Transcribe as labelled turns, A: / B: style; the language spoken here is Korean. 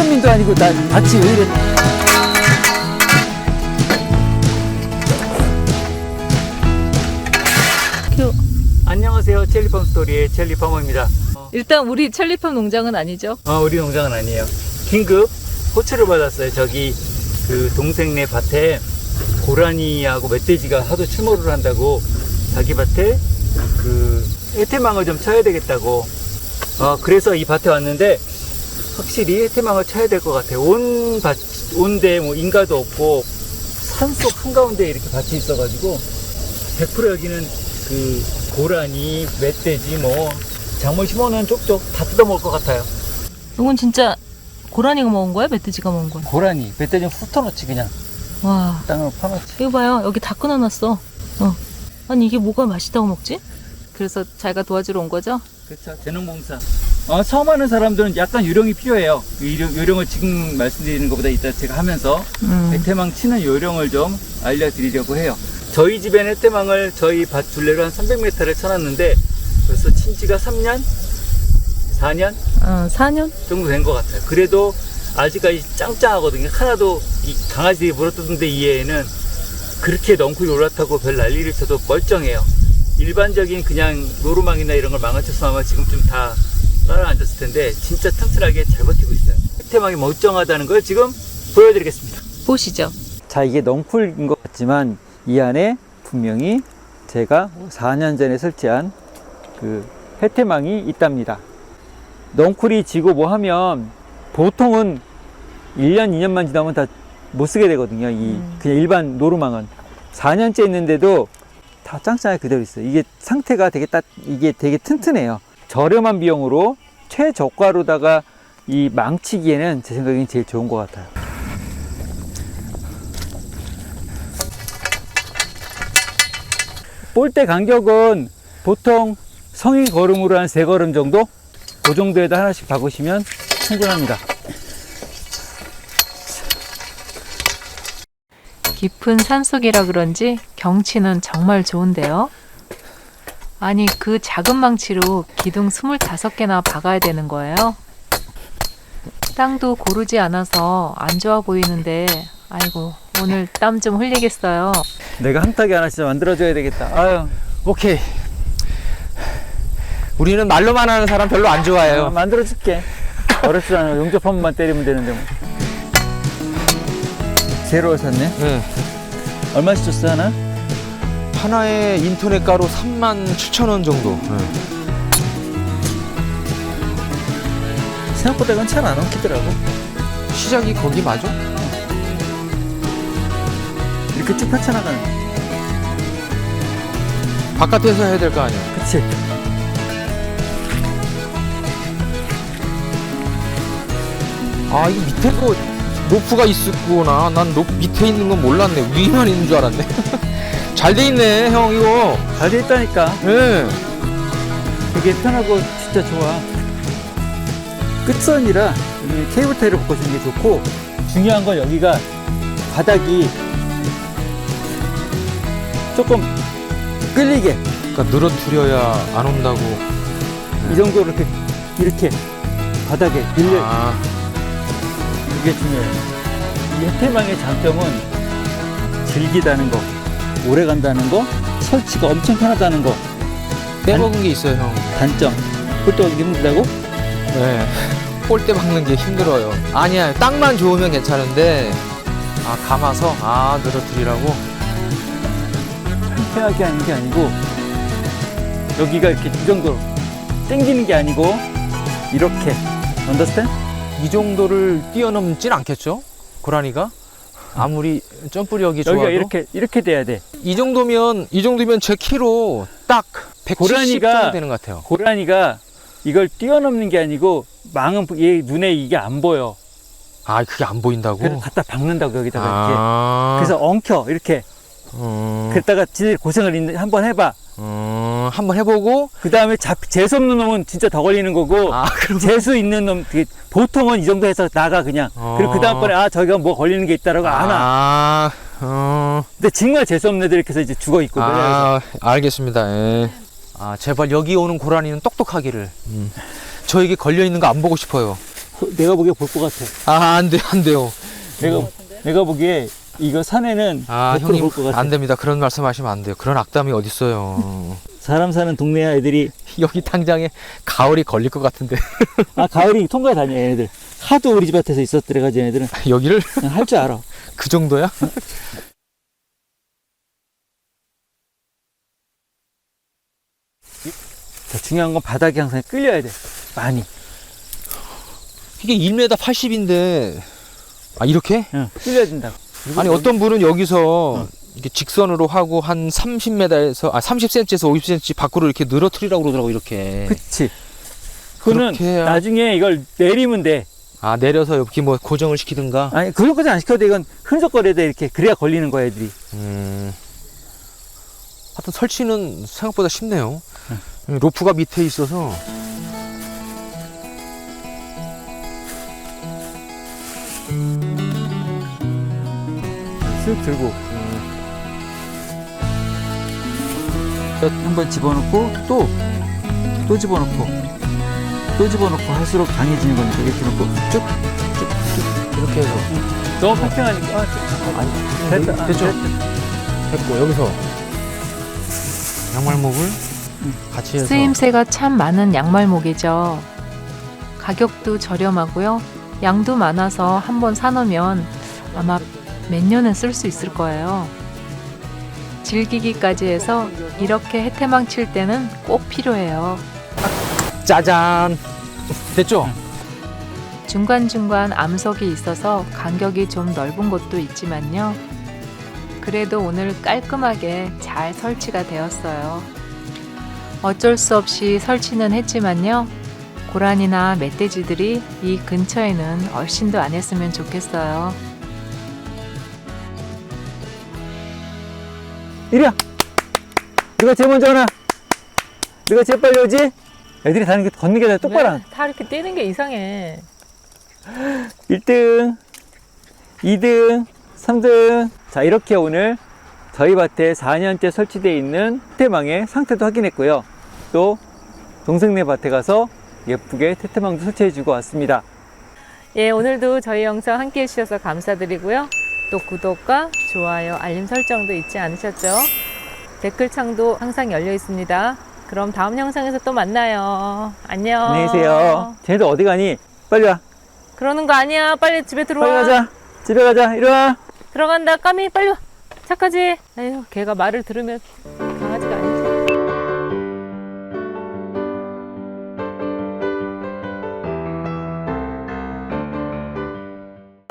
A: 손흥민도 아니고 나 밭이 왜 이래. 안녕하세요. 첼리팜 스토리의 첼리팜어입니다.
B: 일단 우리 첼리팜 농장은 아니죠?
A: 우리 농장은 아니에요. 긴급 호출을 받았어요. 저기 그 동생네 밭에 고라니하고 멧돼지가 하도 출몰을 한다고 자기 밭에 그 해태망을 좀 쳐야 되겠다고. 그래서 이 밭에 왔는데 확실히 해태망을 쳐야 될 것 같아요. 온데 뭐 인가도 없고 산속 한가운데 이렇게 밭이 있어가지고 100% 여기는 그 고라니, 멧돼지 뭐 작물 심어놓은 쪽쪽 다 뜯어먹을 것 같아요.
B: 이건 진짜 고라니가 먹은 거야? 멧돼지가 먹은 거야?
A: 고라니, 멧돼지는 훑어놓지 그냥.
B: 와,
A: 땅을 파놓지.
B: 이거 봐요. 여기 다 끊어놨어. 아니 이게 뭐가 맛있다고 먹지? 그래서 자기가 도와주러 온 거죠?
A: 그렇죠. 재능봉사. 처음 하는 사람들은 약간 요령이 필요해요. 요령을 지금 말씀드리는 것보다 이따 제가 하면서 해태망 치는 요령을 좀 알려드리려고 해요. 저희 집엔 해태망을 저희 밭 둘레로 한 300m를 쳐놨는데 벌써 친 지가 3년? 4년?
B: 4년?
A: 정도 된 것 같아요. 그래도 아직까지 짱짱하거든요. 하나도 이 강아지들이 물어뜯는데 이 애는 그렇게 넝쿨이 올라타고 별 난리를 쳐도 멀쩡해요. 일반적인 그냥 노루망이나 이런 걸 망가쳤으면 아마 지금쯤 다 따라앉았을 텐데 진짜 튼튼하게 잘 버티고 있어요. 해태망이 멀쩡하다는 걸 지금 보여드리겠습니다.
B: 보시죠.
A: 자, 이게 넝쿨인 것 같지만 이 안에 분명히 제가 4년 전에 설치한 그 해태망이 있답니다. 넝쿨이 지고 뭐 하면 보통은 1년, 2년만 지나면 다 못 쓰게 되거든요. 그냥 일반 노루망은 4년째 있는데도 다 짱짱하게 그대로 있어요. 이게 상태가 이게 되게 튼튼해요. 저렴한 비용으로 최저가로다가 이 망치기에는 제 생각엔 제일 좋은 것 같아요. 볼대 간격은 보통 성인 걸음으로 한 3걸음 정도? 그 정도에다 하나씩 박으시면 충분합니다.
B: 깊은 산속이라 그런지 경치는 정말 좋은데요. 아니 그 작은 망치로 기둥 25개나 박아야 되는 거예요. 땅도 고르지 않아서 안 좋아 보이는데 아이고 오늘 땀 좀 흘리겠어요.
A: 내가 한 타기 하나 진짜 만들어줘야 되겠다. 아유.
C: 오케이. 우리는 말로만 하는 사람 별로 안 좋아해요.
A: 만들어줄게. 어렵지 않아. 용접 한 번만 때리면 되는데 뭐. 제로를 샀네?
C: 네.
A: 얼마씩 줬어 하나?
C: 하나에 인터넷 가로 37,000원 정도. 네.
A: 생각보다 이건 잘 안 엉키더라고.
C: 시작이 거기 맞아?
A: 이렇게 쭉 펼쳐나가는.
C: 바깥에서 해야 될 거 아니야.
A: 그치?
C: 아, 이거 밑에 거 로프가 있었구나. 난 밑에 있는 건 몰랐네. 위만 있는 줄 알았네. 잘 돼 있네, 형, 이거.
A: 잘 돼 있다니까.
C: 예.
A: 되게 편하고 진짜 좋아. 끝선이라 여기 케이블 타이를 바꿔주는 게 좋고, 중요한 건 여기가 바닥이 조금 끌리게.
C: 그러니까 늘어뜨려야 안 온다고.
A: 이 정도로 이렇게 바닥에 밀려.
C: 아,
A: 이게 중요해요. 이 해태망의 장점은 질기다는 거, 오래 간다는 거, 설치가 엄청 편하다는 거.
C: 빼먹은 게 있어요, 형.
A: 단점. 볼때 어기 힘들다고?
C: 네. 볼때 박는 게 힘들어요. 아니야, 땅만 좋으면 괜찮은데. 아, 감아서? 아, 늘어뜨리라고?
A: 편하게 하는 게 아니고, 여기가 이렇게 이 정도로 당기는 게 아니고, 이렇게. 언더스탠?
C: 이 정도를 뛰어넘진 않겠죠? 고라니가? 아무리 점프력이 좋아도.
A: 여기가 이렇게 돼야 돼.
C: 이 정도면 제 키로 딱 170 정도 되는 것 같아요.
A: 고라니가 이걸 뛰어넘는 게 아니고, 망은 얘 눈에 이게 안 보여.
C: 아, 그게 안 보인다고?
A: 그래서 갖다 박는다고, 여기다가
C: 아.
A: 이렇게. 그래서 엉켜, 이렇게. 그랬다가 지들 고생을 한번 해봐.
C: 한번 해보고.
A: 그 다음에 재수 없는 놈은 진짜 더 걸리는 거고,
C: 아, 그럼.
A: 재수 있는 놈, 보통은 이 정도 해서 나가, 그냥. 그리고 그 다음번에, 저기가 뭐 걸리는 게 있다라고 안 와. 근데 정말 재수 없는 애들 이렇게 해서 이제 죽어 있고, 그래서.
C: 알겠습니다. 예. 아, 제발 여기 오는 고라니는 똑똑하기를. 저에게 걸려있는 거 안 보고 싶어요.
A: 내가 보기에 볼 것 같아.
C: 아, 안 돼, 안 돼요.
A: 내가 보기에 이거 산에는
C: 아,
A: 100%
C: 형님,
A: 볼것 같아.
C: 안 됩니다. 그런 말씀 하시면 안 돼요. 그런 악담이 어딨어요.
A: 사람 사는 동네 애들이
C: 여기 당장에 가을이 걸릴 것 같은데.
A: 가을이 통과해 다녀 얘네들. 하도 우리 집 앞에서 있었더래가지고 얘네들은
C: 여기를
A: 할 줄 알아.
C: 그 정도야?
A: 자, 중요한 건 바닥이 항상 끌려야 돼. 많이.
C: 이게 1m 80인데, 아, 이렇게?
A: 응, 끌려야 된다고.
C: 아니, 어떤 분은 여기서 이렇게 직선으로 하고 한 30m에서, 30cm에서 50cm 밖으로 이렇게 늘어뜨리라고 그러더라고, 이렇게.
A: 그치. 그거는
C: 그렇게 해야-
A: 나중에 이걸 내리면 돼.
C: 아, 내려서 여기 뭐 고정을 시키든가?
A: 아니, 그것까지 안 시켜도 돼. 이건 흔적거려야 돼. 이렇게. 그래야 걸리는 거야, 애들이.
C: 하여튼 설치는 생각보다 쉽네요. 로프가 밑에 있어서.
A: 쓱 들고. 한번 집어넣고, 또 집어넣고, 또 집어넣고 할수록 강해지는 거니까 이렇게 넣고 쭉.
C: 이렇게 해서.
A: 너무 평평하니까.
C: 아니,
A: 됐다.
C: 됐죠? 됐고, 여기서 양말목을 같이 해서.
B: 쓰임새가 참 많은 양말목이죠. 가격도 저렴하고요. 양도 많아서 한번 사놓으면 아마 몇 년은 쓸 수 있을 거예요. 즐기기까지 해서 이렇게 해태망 칠 때는 꼭 필요해요.
C: 짜잔! 됐죠?
B: 중간중간 암석이 있어서 간격이 좀 넓은 곳도 있지만요. 그래도 오늘 깔끔하게 잘 설치가 되었어요. 어쩔 수 없이 설치는 했지만요. 고라니나 멧돼지들이 이 근처에는 얼씬도 안 했으면 좋겠어요.
A: 이리야. 누가 제일 먼저 오나? 누가 제일 빨리 오지? 애들이 다니는 게 걷는 게 다 똑바로. 안.
B: 다 이렇게 뛰는 게 이상해.
A: 1등, 2등, 3등. 자, 이렇게 오늘 저희 밭에 4년째 설치되어 있는 태태망의 상태도 확인했고요. 또 동생네 밭에 가서 예쁘게 태태망도 설치해주고 왔습니다.
B: 예, 오늘도 저희 영상 함께 해주셔서 감사드리고요. 또 구독과 좋아요, 알림 설정도 잊지 않으셨죠? 댓글창도 항상 열려 있습니다. 그럼 다음 영상에서 또 만나요. 안녕.
A: 안녕히 계세요. 쟤네들 어디 가니? 빨리 와.
B: 그러는 거 아니야. 빨리 집에 들어와.
A: 빨리 가자. 집에 가자. 이리 와.
B: 들어간다. 까미 빨리 와. 착하지? 에휴, 걔가 말을 들으면 강아지가 아니지.